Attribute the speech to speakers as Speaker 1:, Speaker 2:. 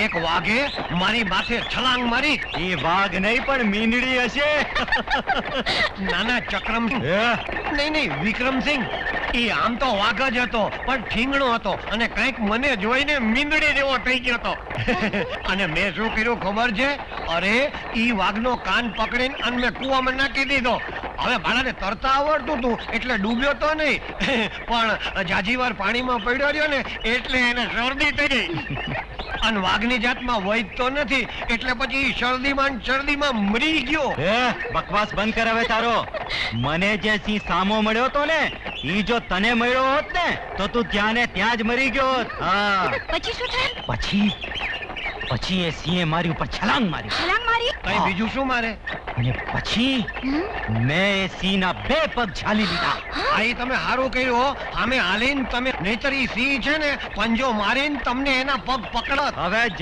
Speaker 1: એક વાઘે મારી માથે છલાંગ મારી.
Speaker 2: એ વાઘ નહીં પણ મીંદડી હશે.
Speaker 1: નાના ચક્રમ નહીં વિક્રમસિંહ, એ આમ તો વાઘ જ હતો પણ ઠીંગણો હતો અને કંઈક મને જોઈને મીંદડી જેવો થઈ ગયો હતો. અને મેં શું કર્યું ખબર છે? અરે ઈ વાઘનો કાન પકડીને અને મેં કૂવામાં નાખી દીધો. હવે બાળાને તરતા આવડતું હતું એટલે ડૂબ્યો તો નહીં, પણ જાજી વાર પાણીમાં પડ્યો રહ્યો ને એટલે એને શરદી થઈ ગઈ. અને વાઘની જાતમાં વૈદ તો નથી એટલે પછી શરદીમાં મરી ગયો.
Speaker 2: બકવાસ બંધ કર હવે તારો. મને જે સિંહ સામો મળ્યો તો ને, ઈ જો તને મળ્યો હોત ને તો તું ત્યાં ને ત્યાં જ મરી ગયો હોત. હા,
Speaker 3: પછી શું થયું?
Speaker 2: પછી એ સિંહે મારી ઉપર છલાંગ મારી.
Speaker 1: કઈ બીજું શું મારે?
Speaker 2: અને પછી મેં એ સિંહના 2 પગ ઝાલી લીધા.
Speaker 1: આ તમે સારું કર્યું હો. આમે હાલીને તમે, નહીતર ઈ સિંહ છે ને પંજો મારીને તમને એના પગ પકડત.
Speaker 2: હવે